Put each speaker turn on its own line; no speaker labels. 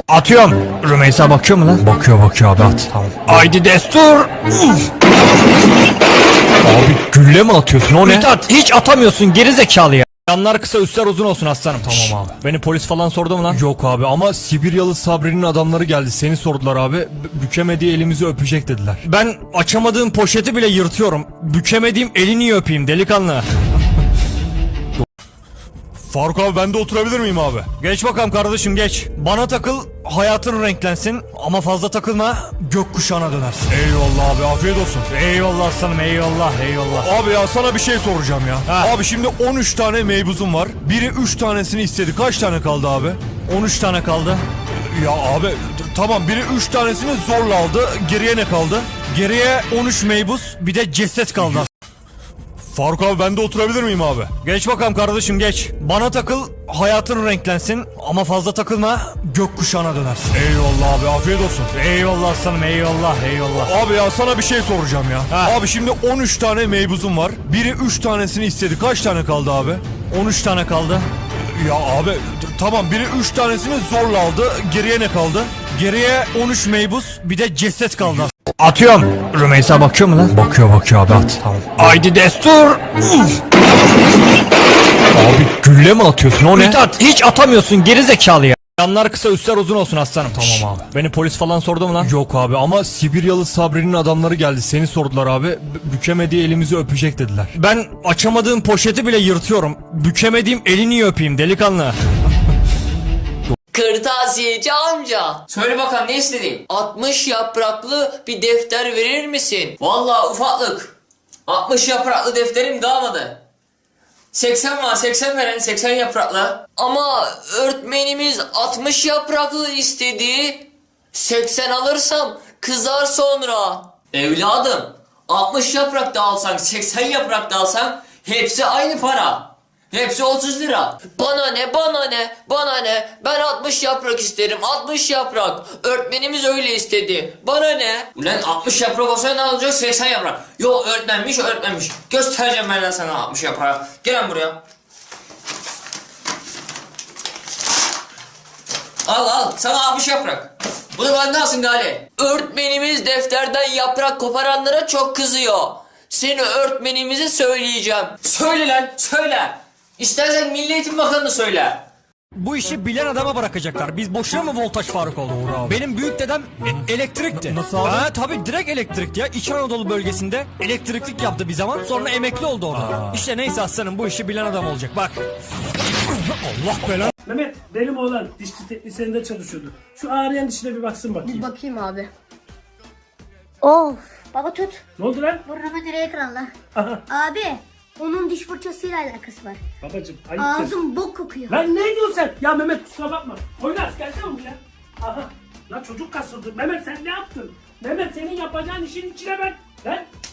Atıyorum. Rümeysa bakıyor mu lan? Bakıyor abi, at. Tamam. Haydi destur. Abi gülle mi atıyorsun, o ne? Mithat, hiç atamıyorsun geri zekalı ya. Yanlar kısa üstler uzun olsun aslanım. Tamam abi. Beni polis falan sordu mu lan?
Yok abi ama Sibiryalı Sabri'nin adamları geldi, seni sordular abi. Bükemediği elimizi öpecek dediler.
Ben açamadığım poşeti bile yırtıyorum. Bükemediğim elini niye öpeyim delikanlı?
Faruk abi, ben de oturabilir miyim abi?
Geç bakalım kardeşim, geç. Bana takıl, hayatın renklensin. Ama fazla takılma, gökkuşağına dönersin.
Eyvallah abi, afiyet olsun.
Eyvallah aslanım, eyvallah.
Abi ya, sana bir şey soracağım ya.
Ha.
Abi şimdi 13 tane meybuzum var. Biri 3 tanesini istedi. Kaç tane kaldı abi?
13 tane kaldı.
Ya abi tamam, biri 3 tanesini zorla aldı. Geriye ne kaldı?
Geriye 13 meybuz, bir de ceset kaldı.
Faruk abi, ben de oturabilir miyim abi?
Geç bakalım kardeşim, geç. Bana takıl, hayatın renklensin. Ama fazla takılma, gökkuşağına dönersin.
Eyvallah abi, afiyet olsun.
Eyvallah aslanım, eyvallah.
Abi ya, sana bir şey soracağım ya.
Ha.
Abi şimdi 13 tane meybuzum var. Biri 3 tanesini istedi. Kaç tane kaldı abi?
13 tane kaldı.
Ya abi tamam, biri 3 tanesini zorla aldı. Geriye ne kaldı?
Geriye 13 meybuz, bir de ceset kaldı. Atıyorum. Rümeysa bakıyor mu lan?
Bakıyor abi, at.
Tamam. Haydi destur.
Abi gülle mi atıyorsun, o ne?
Mithat, hiç atamıyorsun geri zekalı ya. Yanlar kısa üstler uzun olsun aslanım. Tamam abi. Beni polis falan sordu mu lan?
Yok abi ama Sibiryalı Sabri'nin adamları geldi, seni sordular abi. Bükemediği elimizi öpecek dediler.
Ben açamadığım poşeti bile yırtıyorum. Bükemediğim elini niye öpeyim delikanlı?
Kırtasiyeci amca. Söyle bakalım, ne istedin? 60 yapraklı bir defter verir misin? Vallahi ufaklık. 60 yapraklı defterim kalmadı. 80 var, 80 veren, 80 yapraklı. Ama öğretmenimiz 60 yapraklı istedi. 80 alırsam kızar sonra. Evladım, 60 yaprak da alsan, 80 yaprak da alsan hepsi aynı para. Hepsi 30 lira. Bana ne? Ben 60 yaprak isterim. 60 yaprak. Öğretmenimiz öyle istedi. Bana ne? Ulan 60 yaprak olsa ne olacak? 80 yaprak. Yo, öğretmenmiş. Göstereceğim ben sana 60 yaprağı. Gel buraya. Al. Sana 60 yaprak. Bunu benden alsın Gali. Öğretmenimiz defterden yaprak koparanlara çok kızıyor. Seni öğretmenimize söyleyeceğim. Söyle lan, söyle. İstersen Milli Eğitim Bakanı'nı söyle.
Bu işi bilen adama bırakacaklar. Biz boşuna mı voltaj Faruk oldu? Benim büyük dedem elektrikti.
Nasıl abi?
Ha tabii, direkt elektrikti ya. İç Anadolu bölgesinde elektriklik yaptı bir zaman. Sonra emekli oldu orada. İşte neyse aslanım, bu işi bilen adam olacak. Bak. Allah belanı.
Mehmet, benim oğlan dişçi teknisyeninde çalışıyordu. Şu ağrıyan dişine bir baksın bakayım.
Bir bakayım abi. Of. Baba tut.
Ne oldu lan?
Burnumu direğe kırarlar.
Aha.
Abi. Onun diş fırçasıyla alakası var.
Babacım ayıptır.
Ağzım bok kokuyor.
Lan ne diyorsun sen? Ya Mehmet, kusura bakma. Oynas gelsene buraya. Aha. Lan çocuk kasıldı. Mehmet sen ne yaptın? Mehmet, senin yapacağın işin içine ben. Lan